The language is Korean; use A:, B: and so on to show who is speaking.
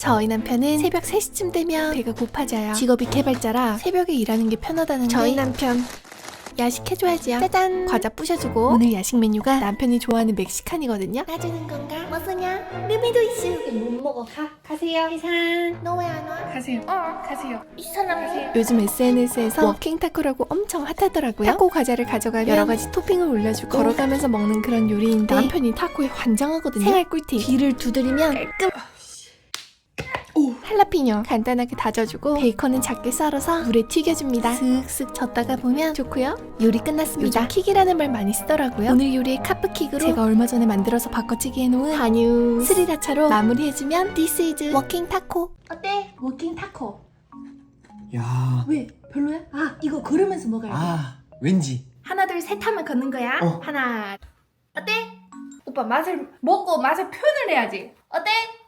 A: 저희 남편은 새벽 3시쯤 되면 배가 고파져요. 직업이 개발자라 새벽에 일하는 게 편하다는데 저희 남편 야식 해줘야지요. 짜잔! 과자 부셔주고. 오늘 야식 메뉴가 남편이 좋아하는 멕시칸이거든요. 놔주는 건가? 뭐 쓰냐? 루미도 있어. 못 먹어. 가세요. 해산. 너 왜 안 와?
B: 가세요. 가세요.
A: 이 사람. 요즘 SNS에서 워킹 타코라고 엄청 핫하더라고요. 타코 과자를 가져가면 여러 가지 토핑을 올려주고 걸어가면서 먹는 그런 요리인데 남편이 타코에 환장하거든요. 생활 꿀팁. 뒤를 두드리면 깔끔. 할라피뇨 간단하게 다져주고 베이컨은 작게 썰어서 물에 튀겨줍니다. 슥슥 젓다가 보면 좋고요. 요리 끝났습니다. 요즘 킥이라는 말 많이 쓰더라고요. 오늘 요리의 카프킥으로 제가 얼마 전에 만들어서 바꿔치기 해놓은 한유 스리라차로 마무리해주면 This is 워킹 타코. 어때? 워킹 타코.
C: 야,
A: 왜? 별로야? 아 이거 걸으면서 먹어야 돼.
C: 왠지.
A: 하나 둘 셋 하면 걷는 거야. 하나. 어때?
B: 오빠 맛을 먹고 맛을 표현을 해야지.
A: 어때?